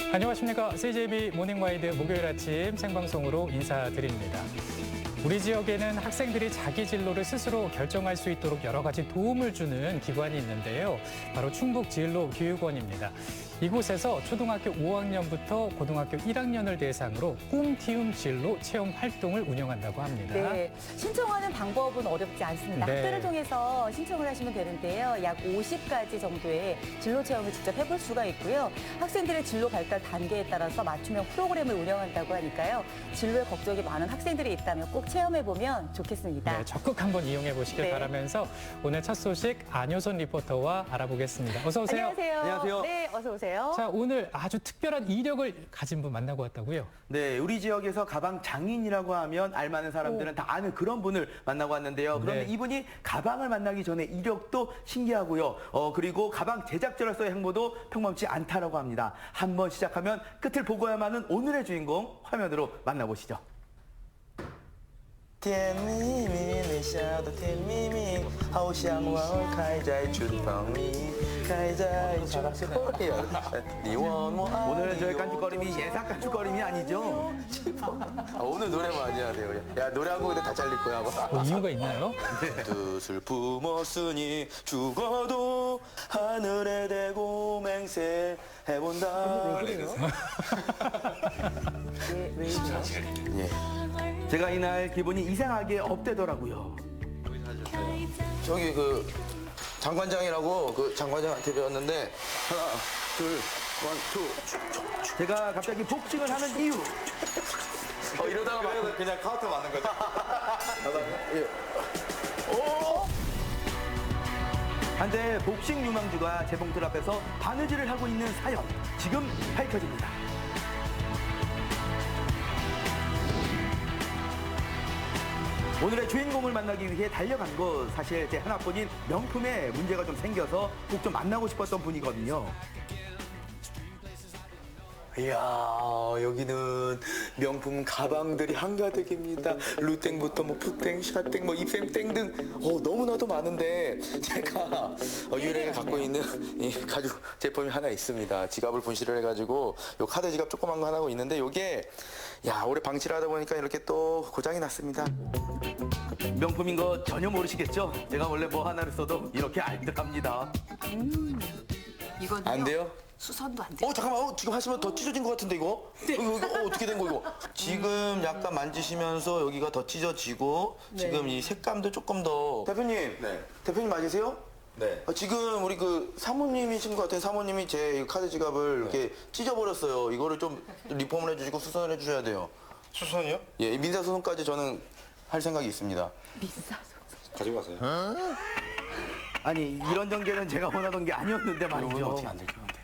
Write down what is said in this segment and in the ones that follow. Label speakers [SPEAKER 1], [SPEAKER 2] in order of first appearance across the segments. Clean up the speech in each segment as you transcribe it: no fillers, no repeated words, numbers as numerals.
[SPEAKER 1] 안녕하십니까. CJB 모닝와이드 목요일 아침 생방송으로 인사드립니다. 우리 지역에는 학생들이 자기 진로를 스스로 결정할 수 있도록 여러 가지 도움을 주는 기관이 있는데요. 바로 충북진로교육원입니다. 이곳에서 초등학교 5학년부터 고등학교 1학년을 대상으로 꿈키움 진로 체험 활동을 운영한다고 합니다.
[SPEAKER 2] 네, 신청하는 방법은 어렵지 않습니다.
[SPEAKER 1] 네.
[SPEAKER 2] 학교를 통해서 신청을 하시면 되는데요. 약 50가지 정도의 진로 체험을 직접 해볼 수가 있고요. 학생들의 진로 발달 단계에 따라서 맞춤형 프로그램을 운영한다고 하니까요. 진로에 걱정이 많은 학생들이 있다면 꼭 체험해보면 좋겠습니다.
[SPEAKER 1] 네, 적극 한번 이용해 보시길
[SPEAKER 2] 네.
[SPEAKER 1] 바라면서 오늘 첫 소식 안효선 리포터와 알아보겠습니다. 어서 오세요.
[SPEAKER 2] 안녕하세요.
[SPEAKER 3] 안녕하세요.
[SPEAKER 2] 네, 어서 오세요.
[SPEAKER 1] 자, 오늘 아주 특별한 이력을 가진 분 만나고 왔다고요?
[SPEAKER 3] 네, 우리 지역에서 가방 장인이라고 하면 알만한 사람들은 다 아는 그런 분을 만나고 왔는데요. 그런데
[SPEAKER 1] 네.
[SPEAKER 3] 이분이 가방을 만나기 전에 이력도 신기하고요. 그리고 가방 제작자로서의 행보도 평범치 않다라고 합니다. 한번 시작하면 끝을 보고야만 하는 오늘의 주인공 화면으로 만나보시죠.
[SPEAKER 4] 甜蜜蜜，你笑得甜蜜蜜，好像花儿开在春风里，开在春风里。你问我爱
[SPEAKER 3] 오늘 저의 깐죽거림이 예사 깐죽거림이 아니죠?
[SPEAKER 4] 오늘 노래 많이 해야 돼요. 야 노래 한 곡인데 다 잘릴 거야 아마.
[SPEAKER 1] 뭐 이유가 있나요?
[SPEAKER 4] 뜻을 품었으니 죽어도 하늘에 대고 맹세해본다.
[SPEAKER 2] 왜 이래요?
[SPEAKER 4] 예.
[SPEAKER 3] 제가 이날 기분이 이상하게 업되더라고요.
[SPEAKER 4] 저기 그 장관장이라고 그 장관장한테 배웠는데 하나 둘 원, 투.
[SPEAKER 3] 제가 갑자기 복싱을 하는 이유.
[SPEAKER 4] 이러다가 그냥 카운터 맞는 거죠. 예.
[SPEAKER 3] 한때 복싱 유망주가 재봉틀 앞에서 바느질을 하고 있는 사연 지금 밝혀집니다. 오늘의 주인공을 만나기 위해 달려간 곳, 사실 제 하나뿐인 명품에 문제가 좀 생겨서 꼭 좀 만나고 싶었던 분이거든요.
[SPEAKER 4] 이야 여기는 명품 가방들이 한가득입니다. 루땡부터 뭐 푸땡, 샤땡, 뭐 입샘땡 등 너무나도 많은데 제가 유일하게 갖고 있는 이 가죽 제품이 하나 있습니다. 지갑을 분실을 해가지고 요 카드 지갑 조그만 거 하나 하고 있는데 요게 야 오래 방치를 하다 보니까 이렇게 또 고장이 났습니다.
[SPEAKER 3] 명품인 거 전혀 모르시겠죠? 제가 원래 뭐 하나를 써도 이렇게 알뜰합니다.
[SPEAKER 5] 이거는요.
[SPEAKER 4] 안 돼요?
[SPEAKER 5] 수선도 안 돼요.
[SPEAKER 4] 잠깐만 지금 하시면 더 찢어진 것 같은데 이거? 이거 어떻게 된 거 이거? 지금 약간 만지시면서 여기가 더 찢어지고 지금 이 색감도 조금 더 대표님
[SPEAKER 6] 네.
[SPEAKER 4] 대표님 맞으세요?
[SPEAKER 6] 네.
[SPEAKER 4] 지금 우리 그 사모님이신 것 같은 사모님이 제 카드 지갑을 이렇게 찢어버렸어요. 이거를 좀 리폼을 해주시고 수선을 해주셔야 돼요.
[SPEAKER 6] 수선이요?
[SPEAKER 4] 예, 민사소송까지 저는 할 생각이 있습니다.
[SPEAKER 6] 가지고 가세요.
[SPEAKER 3] 아니 이런 전개는 제가 원하던 게 아니었는데 말이죠.
[SPEAKER 4] 어떻게 안 될 것 같아.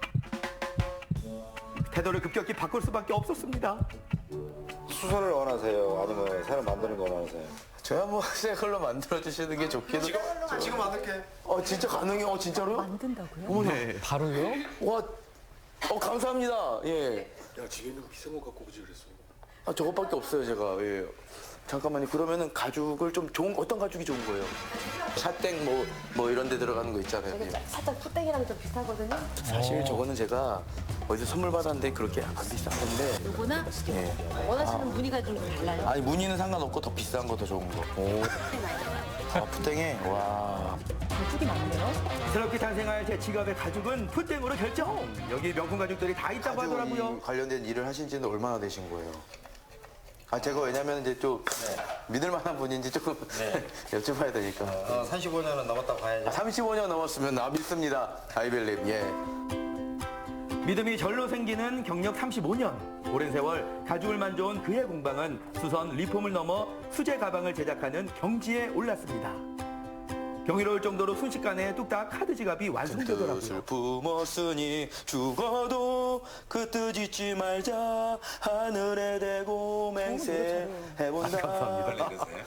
[SPEAKER 3] 태도를 급격히 바꿀 수밖에 없었습니다.
[SPEAKER 6] 수선을 원하세요? 아니면 새로 만드는 거 원하세요?
[SPEAKER 4] 저야 뭐 새 걸로 만들어 주시는 게 좋기도.
[SPEAKER 6] 지금 만들게.
[SPEAKER 4] 진짜 가능해요? 진짜로요?
[SPEAKER 2] 만든다고요?
[SPEAKER 4] 어머나.
[SPEAKER 1] 바로요?
[SPEAKER 4] 와, 감사합니다. 예.
[SPEAKER 6] 야, 집에 있는 거 비싼 거 갖고 오지 그랬어.
[SPEAKER 4] 저것밖에 없어요, 제가. 예. 잠깐만요. 그러면은 가죽을 좀 어떤 가죽이 좋은 거예요? 샤땡 뭐 이런 데 들어가는 거 있잖아요. 예.
[SPEAKER 5] 살짝 푸땡이랑 좀 비슷하거든요.
[SPEAKER 4] 사실 저거는 제가 어디서 선물 받았는데 그렇게 안 비싼 건데.
[SPEAKER 5] 요거나
[SPEAKER 4] 예.
[SPEAKER 5] 원하시는 무늬가 좀 달라요.
[SPEAKER 4] 아니, 무늬는 상관없고 더 비싼 거 더 좋은 거. 오. 푸땡에, 와.
[SPEAKER 2] 가죽이 많네요.
[SPEAKER 3] 새롭게 탄생할 제 지갑의 가죽은 푸땡으로 결정. 여기 명품 가죽들이 다 있다고
[SPEAKER 4] 가죽
[SPEAKER 3] 하더라고요.
[SPEAKER 4] 관련된 일을 하신 지는 얼마나 되신 거예요? 제가 왜냐면 이제 좀 믿을 만한 분인지 조금 여쭤봐야 되니까.
[SPEAKER 6] 35년은 넘었다고 봐야죠.
[SPEAKER 4] 35년 넘었으면 나 믿습니다. 아이벨립, 예.
[SPEAKER 3] 믿음이 절로 생기는 경력 35년. 오랜 세월 가죽을 만져온 그의 공방은 수선, 리폼을 넘어 수제 가방을 제작하는 경지에 올랐습니다. 경이로울 정도로 순식간에 뚝딱 카드 지갑이
[SPEAKER 4] 뜻을
[SPEAKER 3] 완성되더라고요.
[SPEAKER 4] 품었으니 죽어도 그 뜻 잊지 말자 하늘에 대고 맹세해본다.
[SPEAKER 3] 감사합니다.
[SPEAKER 6] 이러세요?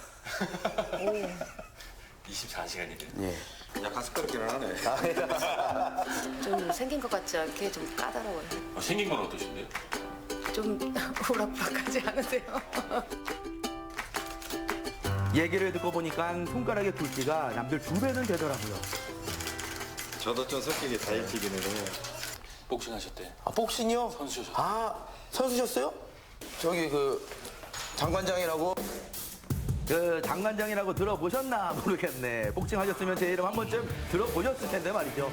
[SPEAKER 6] 24시간이래요.
[SPEAKER 4] 예.
[SPEAKER 6] 약간 습관있기는 하네.
[SPEAKER 5] 좀 생긴 것 같지 않게 좀 까다로워요.
[SPEAKER 6] 생긴 건 어떠신데요?
[SPEAKER 5] 좀 우락부락하지 않으세요?
[SPEAKER 3] 얘기를 듣고 보니까 손가락의 굵기가 남들 2배는 되더라고요.
[SPEAKER 6] 저도 좀 성격이 다이어트이기는 해요.
[SPEAKER 7] 복싱 하셨대.
[SPEAKER 4] 아, 복싱이요?
[SPEAKER 7] 선수셨어요.
[SPEAKER 4] 아, 선수셨어요? 저기 그 장관장이라고.
[SPEAKER 3] 그 장관장이라고 들어보셨나 모르겠네. 복싱 하셨으면 제 이름 한 번쯤 들어보셨을 텐데 말이죠.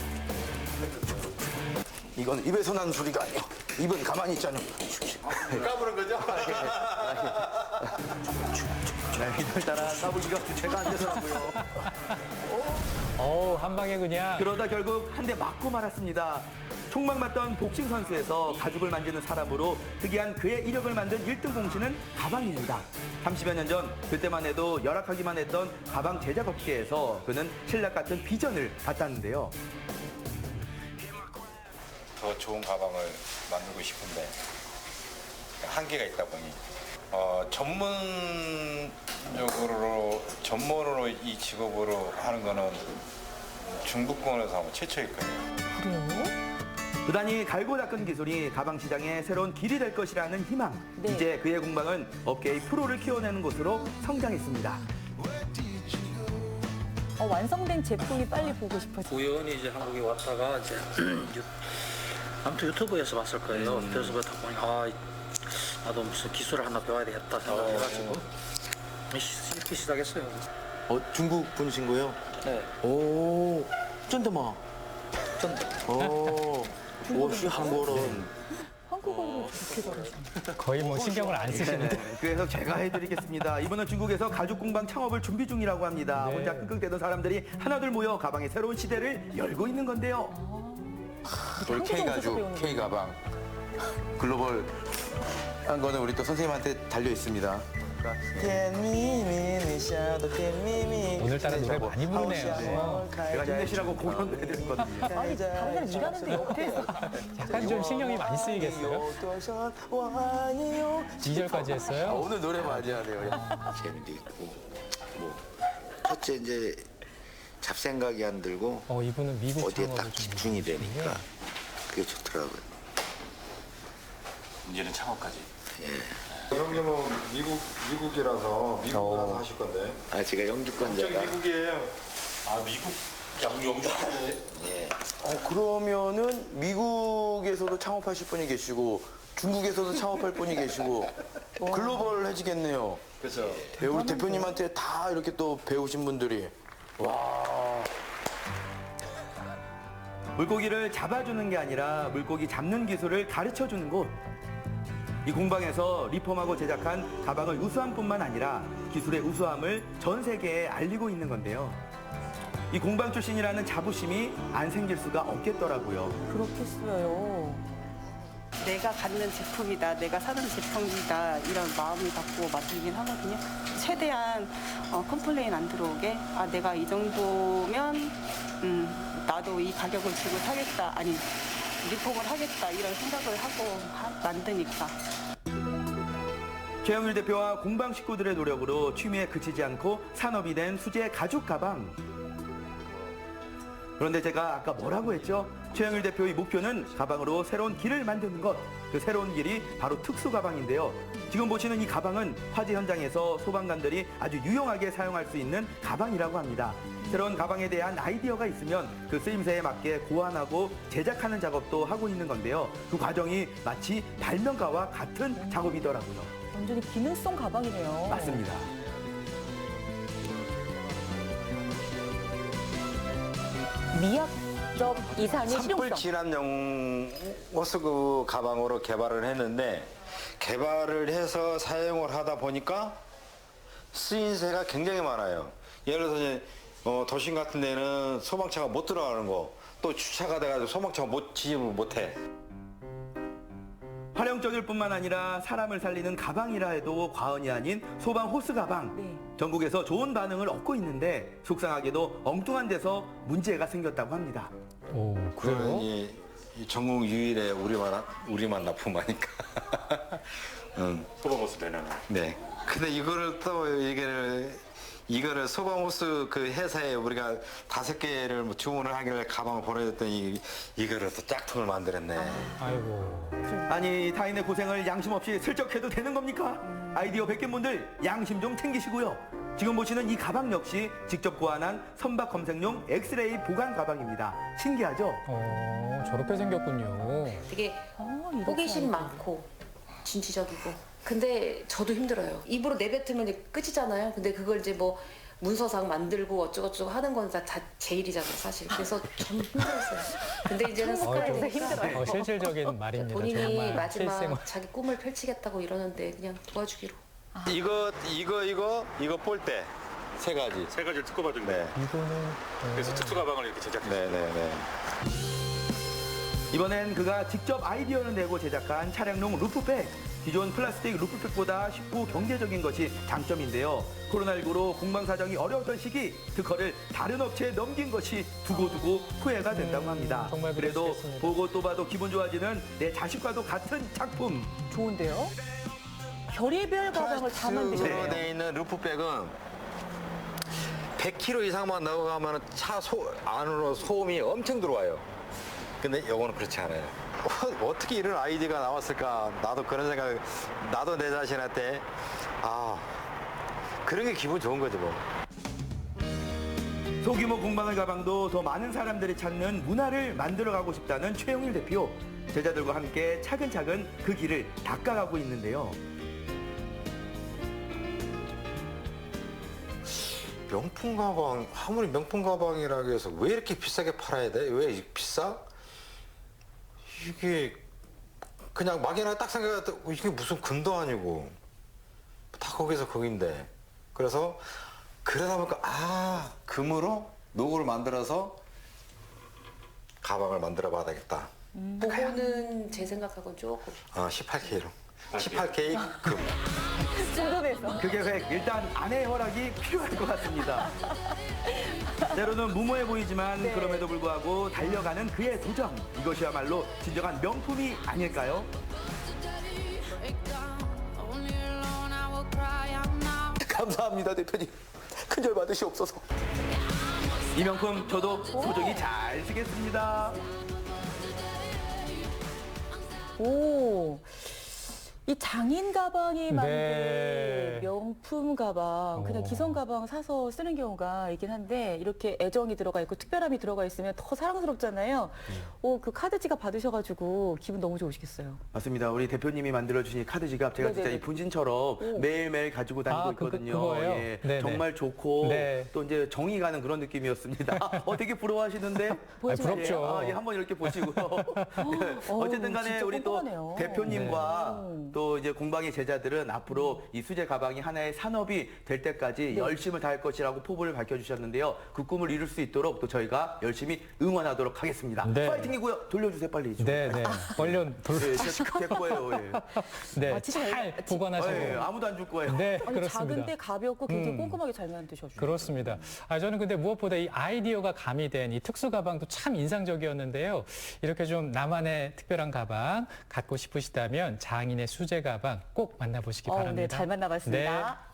[SPEAKER 4] 이건 입에서 난 소리가 아니야. 입은 가만히 있잖아.
[SPEAKER 6] 까부는 거죠?
[SPEAKER 3] 네, 이날따라 까불기가 제가 안 되더라고요.
[SPEAKER 1] 한 방에 그냥.
[SPEAKER 3] 그러다 결국 한 대 맞고 말았습니다. 총막 맞던 복싱 선수에서 가죽을 만지는 사람으로 특이한 그의 이력을 만든 1등 공신은 가방입니다. 30여 년 전 그때만 해도 열악하기만 했던 가방 제작 업계에서 그는 신락 같은 비전을 갖다는데요.
[SPEAKER 6] 더 좋은 가방을 만들고 싶은데 한계가 있다 보니 전문으로 이 직업으로 하는 거는 중부권에서 아마 최초일 거예요.
[SPEAKER 2] 그래요?
[SPEAKER 3] 부단히 갈고 닦은 기술이 가방 시장의 새로운 길이 될 것이라는 희망.
[SPEAKER 2] 네.
[SPEAKER 3] 이제 그의 공방은 업계의 프로를 키워내는 곳으로 성장했습니다.
[SPEAKER 2] 완성된 제품이 빨리 보고 싶어서.
[SPEAKER 7] 우연히 이제 한국에 왔다가 이제 아무튼 유튜브에서 봤을 거예요. 그래서 보다 보니 나도 무슨 기술을 하나 배워야 되겠다 생각해가지고 이렇게 시작했어요.
[SPEAKER 4] 중국 분이신 거예요?
[SPEAKER 7] 네.
[SPEAKER 4] 오, 쩐다마. 오, 옷이 한국어는.
[SPEAKER 2] 한국어로 그렇게 잘하시네.
[SPEAKER 1] 거의 뭐 신경을 안 쓰시는데.
[SPEAKER 3] 네, 그래서 제가 해드리겠습니다. 이번은 중국에서 가죽 공방 창업을 준비 중이라고 합니다.
[SPEAKER 1] 네.
[SPEAKER 3] 혼자 끙끙대던 사람들이 하나둘 모여 가방의 새로운 시대를 열고 있는 건데요.
[SPEAKER 4] 우리 K 가죽, K 가방, 글로벌 한 거는 우리 또 선생님한테 달려 있습니다.
[SPEAKER 1] 오늘따라 노래 많이 부르네요.
[SPEAKER 3] 제가 힘내시라고 공연도 해드렸거든요.
[SPEAKER 2] 아니, 다른 사람 일하는데 옆에서.
[SPEAKER 1] 약간 좀 신경이 많이 쓰이겠어요? 2절까지 했어요?
[SPEAKER 4] 오늘 노래 많이 하네요.
[SPEAKER 8] 재미도 있고 뭐 첫째 이제 잡생각이 안 들고
[SPEAKER 1] 이분은 미국
[SPEAKER 8] 어디에
[SPEAKER 1] 창업을
[SPEAKER 8] 딱
[SPEAKER 1] 좀
[SPEAKER 8] 집중이 되니까 그게 좋더라고요.
[SPEAKER 7] 이제는 창업까지.
[SPEAKER 6] 형님은 미국이라서 미국 가서 하실 건데.
[SPEAKER 8] 아 제가 영주권자가
[SPEAKER 6] 미국이에요.
[SPEAKER 7] 아 미국 영주.
[SPEAKER 8] 예.
[SPEAKER 4] 그러면은 미국에서도 창업하실 분이 계시고 중국에서도 창업할 분이 계시고 글로벌해지겠네요.
[SPEAKER 6] 그렇죠.
[SPEAKER 4] 예, 우리 대표님한테 다 이렇게 또 배우신 분들이. 와.
[SPEAKER 3] 물고기를 잡아주는 게 아니라 물고기 잡는 기술을 가르쳐주는 곳. 이 공방에서 리폼하고 제작한 가방의 우수함뿐만 아니라 기술의 우수함을 전 세계에 알리고 있는 건데요. 이 공방 출신이라는 자부심이 안 생길 수가 없겠더라고요.
[SPEAKER 2] 그렇겠어요.
[SPEAKER 9] 내가 갖는 제품이다, 내가 사는 제품이다 이런 마음을 갖고 만들긴 하거든요. 최대한 컴플레인 안 들어오게 내가 이 정도면 나도 이 가격을 주고 사겠다, 아니 리폼을 하겠다 이런 생각을 하고 만드니까.
[SPEAKER 3] 최영일 대표와 공방 식구들의 노력으로 취미에 그치지 않고 산업이 된 수제 가죽 가방. 그런데 제가 아까 뭐라고 했죠? 최영일 대표의 목표는 가방으로 새로운 길을 만드는 것. 그 새로운 길이 바로 특수 가방인데요. 지금 보시는 이 가방은 화재 현장에서 소방관들이 아주 유용하게 사용할 수 있는 가방이라고 합니다. 새로운 가방에 대한 아이디어가 있으면 그 쓰임새에 맞게 고안하고 제작하는 작업도 하고 있는 건데요. 그 과정이 마치 발명가와 같은 작업이더라고요.
[SPEAKER 2] 완전히 기능성 가방이네요.
[SPEAKER 3] 맞습니다.
[SPEAKER 2] 미약점 이상의
[SPEAKER 6] 산불
[SPEAKER 2] 실용성.
[SPEAKER 6] 진압용 호스그 가방으로 개발을 했는데 개발을 해서 사용을 하다 보니까 쓰임새가 굉장히 많아요. 예를 들어서 이제 도심 같은 데는 소방차가 못 들어가는 거, 또 주차가 돼가지고 소방차가 진입을 못해.
[SPEAKER 3] 활용적일 뿐만 아니라 사람을 살리는 가방이라 해도 과언이 아닌 소방 호스 가방.
[SPEAKER 2] 네.
[SPEAKER 3] 전국에서 좋은 반응을 얻고 있는데 속상하게도 엉뚱한 데서 문제가 생겼다고 합니다.
[SPEAKER 6] 그러면
[SPEAKER 1] 그래요?
[SPEAKER 6] 이 전국 유일의 우리만 납품하니까.
[SPEAKER 7] 소방호스 내는.
[SPEAKER 6] 네. 근데 이거를 또 이거를 소방호스 그 회사에 우리가 5개를 뭐 주문을 하길래 가방을 보내줬더니 이거를 또 짝퉁을 만들었네.
[SPEAKER 1] 아이고.
[SPEAKER 3] 아니 타인의 고생을 양심 없이 슬쩍 해도 되는 겁니까? 아이디어 100개 분들 양심 좀 챙기시고요. 지금 보시는 이 가방 역시 직접 고안한 선박 검색용 엑스레이 보관 가방입니다. 신기하죠?
[SPEAKER 1] 저렇게 생겼군요.
[SPEAKER 5] 되게
[SPEAKER 2] 이렇게
[SPEAKER 5] 호기심 많고 진취적이고. 근데 저도 힘들어요. 입으로 내뱉으면 이제 끝이잖아요. 근데 그걸 이제 뭐 문서상 만들고 어쩌고저쩌고 하는 건 다 제 일이잖아요, 사실. 그래서 좀 힘들었어요. 근데 이제는 습관이 되니까
[SPEAKER 2] 힘들어요.
[SPEAKER 1] 실질적인 말입니다.
[SPEAKER 5] 본인이
[SPEAKER 1] 정말
[SPEAKER 5] 마지막
[SPEAKER 1] 실생활.
[SPEAKER 5] 자기 꿈을 펼치겠다고 이러는데 그냥 도와주기로.
[SPEAKER 6] 이거 볼때 세 가지.
[SPEAKER 10] 세 가지를 특허받은
[SPEAKER 6] 네.
[SPEAKER 10] 거예요.
[SPEAKER 1] 이거는
[SPEAKER 10] 그래서 특수 가방을 이렇게 제작했어요.
[SPEAKER 6] 네네네.
[SPEAKER 3] 이번엔 그가 직접 아이디어를 내고 제작한 차량용 루프백. 기존 플라스틱 루프백보다 쉽고 경제적인 것이 장점인데요. 코로나19로 공방 사정이 어려웠던 시기 특허를 다른 업체에 넘긴 것이 두고두고 후회가 된다고 합니다.
[SPEAKER 1] 정말
[SPEAKER 3] 그래도
[SPEAKER 1] 그러시겠습니다.
[SPEAKER 3] 보고 또 봐도 기분 좋아지는 내 자식과도 같은 작품.
[SPEAKER 2] 좋은데요? 별의별 가방을 다
[SPEAKER 6] 플라스틱으로
[SPEAKER 2] 만드셨네요.
[SPEAKER 6] 돼 있는 루프백은 100km 이상만 나가면 차 안으로 소음이 엄청 들어와요. 근데 이거는 그렇지 않아요. 어떻게 이런 아이디어가 나왔을까? 나도 그런 생각, 나도 내 자신한테 그런 게 기분 좋은 거죠 뭐.
[SPEAKER 3] 소규모 공방의 가방도 더 많은 사람들이 찾는 문화를 만들어가고 싶다는 최영일 대표. 제자들과 함께 차근차근 그 길을 닦아가고 있는데요.
[SPEAKER 6] 명품 가방, 아무리 명품 가방이라고 해서 왜 이렇게 비싸게 팔아야 돼? 왜 비싸? 이게 그냥 막연하게 딱 생각해도 이게 무슨 금도 아니고 다 거기서 거긴데. 그래서 그러다 보니까 금으로 노고를 만들어서 가방을 만들어 봐야 되겠다.
[SPEAKER 5] 보고는 제 생각하고는 조금
[SPEAKER 6] 18K로. 18K 금.
[SPEAKER 2] 궁금해서.
[SPEAKER 3] 그 계획 일단 아내의 허락이 필요할 것 같습니다. 때로는 무모해 보이지만
[SPEAKER 2] 네.
[SPEAKER 3] 그럼에도 불구하고 달려가는 그의 도전. 이것이야말로 진정한 명품이 아닐까요?
[SPEAKER 4] 감사합니다, 대표님. 큰절 받으시옵소서.
[SPEAKER 3] 이 명품 저도 소중히 잘 쓰겠습니다.
[SPEAKER 2] 오. 이 장인 가방이 만든
[SPEAKER 1] 네.
[SPEAKER 2] 명품 가방, 그냥 기성 가방 사서 쓰는 경우가 있긴 한데 이렇게 애정이 들어가 있고 특별함이 들어가 있으면 더 사랑스럽잖아요. 그 카드 지갑 받으셔가지고 기분 너무 좋으시겠어요.
[SPEAKER 3] 맞습니다. 우리 대표님이 만들어주신 카드 지갑 제가 진짜
[SPEAKER 2] 네네네.
[SPEAKER 3] 이 분진처럼 매일매일 가지고 다니고 있거든요.
[SPEAKER 1] 그거예요?
[SPEAKER 3] 예,
[SPEAKER 1] 네네.
[SPEAKER 3] 정말 좋고
[SPEAKER 1] 네.
[SPEAKER 3] 또 이제 정이 가는 그런 느낌이었습니다. 되게 부러워하시는데
[SPEAKER 1] 부럽죠.
[SPEAKER 3] 예, 한번 이렇게 보시고요. 예, 어쨌든 간에
[SPEAKER 2] 진짜
[SPEAKER 3] 우리 또
[SPEAKER 2] 꼼꼼하네요.
[SPEAKER 3] 대표님과
[SPEAKER 2] 네.
[SPEAKER 3] 또 이제 공방의 제자들은 앞으로 이 수제 가방이 하나의 산업이 될 때까지
[SPEAKER 2] 네.
[SPEAKER 3] 열심을 다할 것이라고 포부를 밝혀주셨는데요. 그 꿈을 이룰 수 있도록 또 저희가 열심히 응원하도록 하겠습니다.
[SPEAKER 1] 네.
[SPEAKER 3] 파이팅이고요. 돌려주세요 빨리. 좀.
[SPEAKER 1] 네네. 얼른
[SPEAKER 3] 예, 제 거예요. 예.
[SPEAKER 1] 네,
[SPEAKER 2] 진짜
[SPEAKER 1] 잘 보관하시고.
[SPEAKER 3] 예, 아무도 안 줄 거예요.
[SPEAKER 1] 네,
[SPEAKER 2] 아니,
[SPEAKER 1] 그렇습니다.
[SPEAKER 2] 작은데 가볍고 굉장히 꼼꼼하게 잘 만드셔주죠.
[SPEAKER 1] 그렇습니다. 저는 근데 무엇보다 이 아이디어가 가미된 이 특수 가방도 참 인상적이었는데요. 이렇게 좀 나만의 특별한 가방 갖고 싶으시다면 장인의 수제 가방 꼭 만나보시기 바랍니다.
[SPEAKER 2] 네, 잘 만나봤습니다.
[SPEAKER 1] 네.